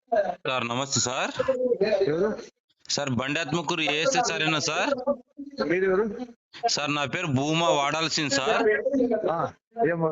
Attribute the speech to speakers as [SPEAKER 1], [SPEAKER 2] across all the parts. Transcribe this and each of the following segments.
[SPEAKER 1] Sir నమస్తే sir.
[SPEAKER 2] ఎవరు?
[SPEAKER 1] Sir బండి ఆత్మకూరు ఏఎస్ఐ సారేనా సార్?
[SPEAKER 2] మీరు ఎవరు?
[SPEAKER 1] సార్ నా పేరు భూమా వాడాల్సింది సార్.
[SPEAKER 2] ఆ, ఏమో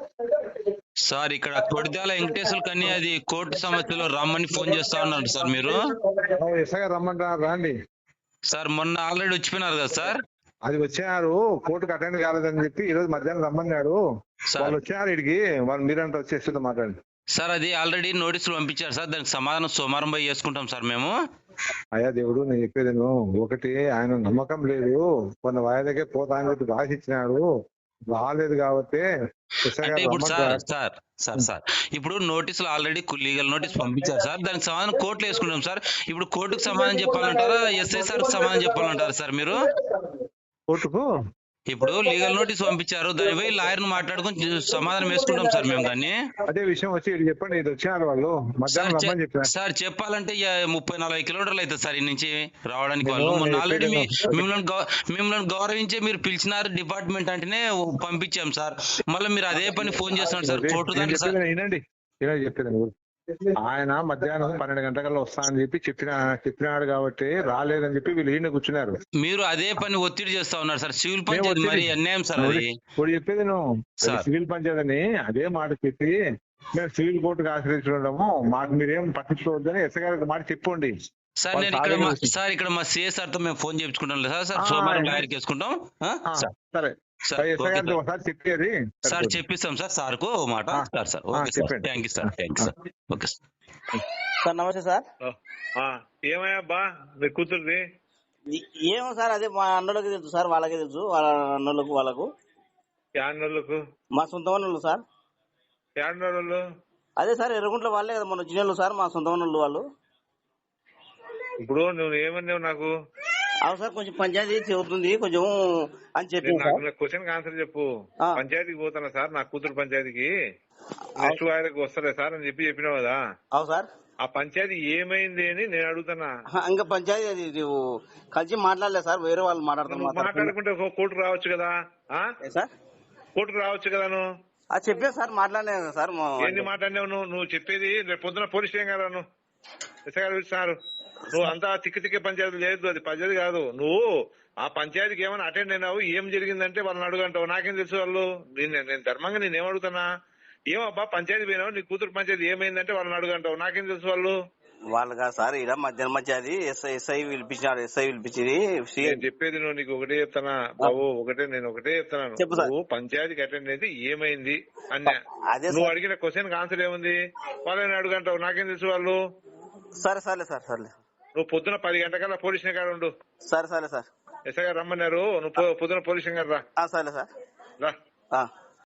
[SPEAKER 1] సార్ ఇక్కడ కొడిదాల వెంకటేశ్వర కని అది కోర్టు సమస్యలో రమ్మని ఫోన్ చేస్తా ఉన్నారు సార్ మీరు.
[SPEAKER 2] ఎస్ఐ రమ్మంటారు రండి.
[SPEAKER 1] సార్ మొన్న ఆల్రెడీ వచ్చిపోయినారు కదా సార్.
[SPEAKER 2] అది వచ్చారు కోర్టుకు అటెండ్ కాలేదని చెప్పి ఈ రోజు మధ్యాహ్నం రమ్మన్నాడు.
[SPEAKER 1] సార్
[SPEAKER 2] వాళ్ళు వచ్చారు ఇడికి, వాళ్ళు మీరంతా వచ్చేస్తుందో మాట్లాడండి.
[SPEAKER 1] సార్ అది ఆల్రెడీ నోటీసులు పంపించారు సార్, దానికి సమాధానం సోమవారం పోయి చేసుకుంటాం సార్ మేము.
[SPEAKER 2] అయ్యా దేవుడు, నేను చెప్పేది ఒకటి, ఆయన నమ్మకం లేదు, కొన్ని వాయిదాకే పోతా అని చెప్పి రాసిచ్చినాడు, రాలేదు కాబట్టి ఎస్ఐ
[SPEAKER 1] అంటే
[SPEAKER 2] గారు
[SPEAKER 1] ఇప్పుడు సార్
[SPEAKER 2] రమ్మంటారు.
[SPEAKER 1] సార్ సార్ సార్ ఇప్పుడు నోటీసులు ఆల్రెడీ లీగల్ నోటీస్ పంపించారు సార్, దానికి సమాధానం కోర్టులో వేసుకుంటాం సార్. ఇప్పుడు కోర్టుకు సమాధానం చెప్పాలంటారా ఎస్ఐ సార్ సమాధానం చెప్పాలంటారా సార్ మీరు?
[SPEAKER 2] కోర్టుకు
[SPEAKER 1] ఇప్పుడు లీగల్ నోటీస్ పంపించారు, దాని పోయి లాయర్ ను మాట్లాడుకుని సమాధానం వేసుకుంటాం సార్ మేము. దాన్ని
[SPEAKER 2] అదే విషయం వచ్చి ఇది చెప్పండి, ఇది వచ్చినారు వాళ్ళు మధ్యాహ్నం రమ్మని చెప్పారు.
[SPEAKER 1] సార్ చెప్పాలంటే 30-40 కిలోమీటర్లు అవుతుంది సార్ ఈ నుంచి రావడానికి. వాళ్ళు
[SPEAKER 2] నేను
[SPEAKER 1] మొన్న ఆల్రెడీ
[SPEAKER 2] చెప్పేది
[SPEAKER 1] మిమ్మల్ని గౌరవించే మీరు పిలిచినారు డిపార్ట్మెంట్ అంటేనే పంపించాం సార్. మళ్ళీ మీరు అదే పని ఫోన్ చేస్తున్నారు సార్ కోర్టు
[SPEAKER 2] నేను
[SPEAKER 1] దానికి సార్.
[SPEAKER 2] చెప్పేది వినండి, ఇలా చెప్పేది ఆయన మధ్యాహ్నం 12 గంటల వస్తా అని చెప్పి చెప్పినాడు కాబట్టి రాలేదని చెప్పి వీళ్ళు ఈయన కూర్చున్నారు.
[SPEAKER 1] మీరు అదే పని ఒత్తిడి చేస్తా ఉన్నారు సార్. సివిల్ పంచాయతీ మరి అన్యాయం సార్ అది.
[SPEAKER 2] ఇప్పుడు చెప్పేది
[SPEAKER 1] సార్.
[SPEAKER 2] సివిల్ పంచాయతీ అని అదే మాట చెప్పి మేము సివిల్ కోర్టుకు ఆశ్రయించడము, మాకు మీరేం పట్టించుకోవద్దని ఎస్ఐ గారికి మాట చెప్పండి.
[SPEAKER 1] సార్ నేను ఇక్కడ మా సిఎస్ సార్ తో మేము ఫోన్ చేయించుకుంటాం సార్. సార్ సోమవారం లాయర్కి వేసుకుంటాం
[SPEAKER 2] సరే
[SPEAKER 1] సార్.
[SPEAKER 2] ఎస్ఐ గారితో ఒకసారి చెప్పేది
[SPEAKER 1] సార్ చెప్పిస్తాం సార్. సార్కు ఓ మాట sir. Okay sir, thank you sir, thank you sir. Okay
[SPEAKER 3] sir నమస్తే సార్.
[SPEAKER 2] ఏమయ్యా బా మీ కూతురుది?
[SPEAKER 3] ఏమో సార్, అదే మా అన్నోళ్ళకి తెలుసు సార్, వాళ్ళకే తెలుసు, వాళ్ళ అన్నోళ్ళకు వాళ్ళకు.
[SPEAKER 2] యాన్నోళ్ళకు
[SPEAKER 3] మా సొంత వాళ్ళు సార్.
[SPEAKER 2] యాన్నోళ్ళు
[SPEAKER 3] అదే సార్ ఎర్రగుంట్ల వాళ్ళే కదా మొన్న వచ్చిన సార్, మా సొంత వాళ్ళు.
[SPEAKER 2] ఇప్పుడు నువ్వు ఏమన్నావు నాకు?
[SPEAKER 3] అవును సార్, కొంచెం పంచాయతీ చెబుతుంది కొంచెం అని చెప్పి
[SPEAKER 2] క్వశ్చన్ ఆన్సర్ చెప్పు. పంచాయతీకి పోతానా సార్, నా కూతురు పంచాయతీకి నెక్స్ట్ వారికి వస్తలే సార్ అని చెప్పినావు కదా.
[SPEAKER 3] అవును సార్.
[SPEAKER 2] ఆ పంచాయతీ ఏమైంది అని నేను అడుగుతున్నా.
[SPEAKER 3] ఇంకా పంచాయతీ అది కలిసి మాట్లాడలేదు సార్, వేరే వాళ్ళు
[SPEAKER 2] మాట్లాడుకుంటే కోర్టుకు రావచ్చు కదా
[SPEAKER 3] సార్.
[SPEAKER 2] కోర్టుకు రావచ్చు కదా నువ్వు.
[SPEAKER 3] అది చెప్పే సార్, మాట్లాడలేదు సార్.
[SPEAKER 2] ఏంటి మాట్లాడినావు నువ్వు చెప్పేది? రేపు పొద్దున పోలీస్ స్టేషన్ కదా నువ్వు ఎస్ఐ గారు ఇస్తున్నారు. నువ్వు అంతా తిక్కి పంచాయతీ లేదు, అది పంచాయతీ కాదు. నువ్వు ఆ పంచాయతీకి ఏమైనా అటెండ్ అయినావు, ఏం జరిగిందంటే వాళ్ళని అడుగుంటావు. నాకేం తెలుసు వాళ్ళు? నేను ధర్మంగా నేనేం అడుగుతున్నా, ఏమబ్బా పంచాయతీ పోయినావు, నీ కూతురు పంచాయతీ ఏమైందంటే వాళ్ళని అడుగుంటావు. నాకేం తెలుసు వాళ్ళు?
[SPEAKER 3] వాళ్ళు కాదు సార్, ఇలా మధ్యాహ్నం పంచాయతీ ఎస్ఐ పిలిపించినాడు. ఎస్ఐ పిలిపించింది.
[SPEAKER 2] నేను చెప్పేది నువ్వు, నీకు ఒకటే చెప్తానా బాబు, నేను ఒకటే చెప్తున్నాను. నువ్వు పంచాయతీకి అటెండ్ అయితే ఏమైంది అన్నా, నువ్వు అడిగిన క్వశ్చన్ ఆన్సర్ ఏముంది? వాళ్ళని అడుగుంటావు. నాకేం తెలుసు వాళ్ళు?
[SPEAKER 3] సరే సరే సార్, సరే.
[SPEAKER 2] నువ్వు పొద్దున 10 గంటకల్లా పోలీస్ స్టేషన్ కాడ ఉండు.
[SPEAKER 3] సరే సార్.
[SPEAKER 2] ఎస్ఐ గారు రమ్మన్నారు, నువ్వు పొద్దున పోలీస్ స్టేషన్ గారు రా.
[SPEAKER 3] సరే సార్.
[SPEAKER 2] రా.